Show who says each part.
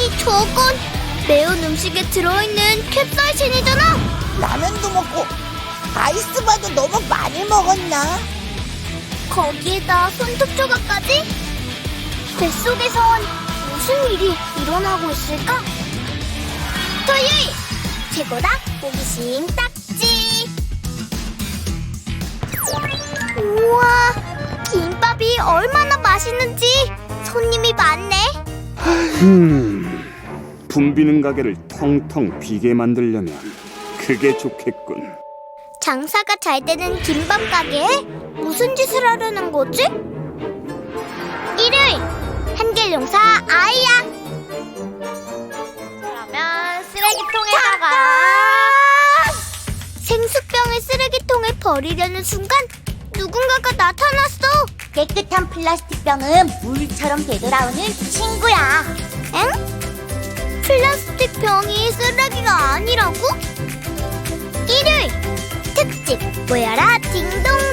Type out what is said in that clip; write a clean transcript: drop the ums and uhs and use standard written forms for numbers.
Speaker 1: 아니, 저건 매운 음식에 들어있는 캡사이신이잖아.
Speaker 2: 라면도 먹고 아이스바도 너무 많이 먹었나?
Speaker 1: 거기에다 손톱 조각까지? 뱃속에선 무슨 일이 일어나고 있을까? 토요일 최고다 호기심 딱지. 우와, 김밥이 얼마나 맛있는지. 손님이 많네.
Speaker 3: 붐비는 가게를 텅텅 비게 만들려면 그게 좋겠군.
Speaker 1: 장사가 잘 되는 김밥 가게에 무슨 짓을 하려는 거지? 일요일 한길용사 아이야.
Speaker 4: 그러면 쓰레기통에다가
Speaker 1: 생수병을 쓰레기통에 버리려는 순간 누군가가 나타났어.
Speaker 2: 깨끗한 플라스틱 병은 물처럼 되돌아오는 친구야.
Speaker 1: 엥? 플라스틱 병이 쓰레기가 아니라고? 일요일 특집 모여라 딩동.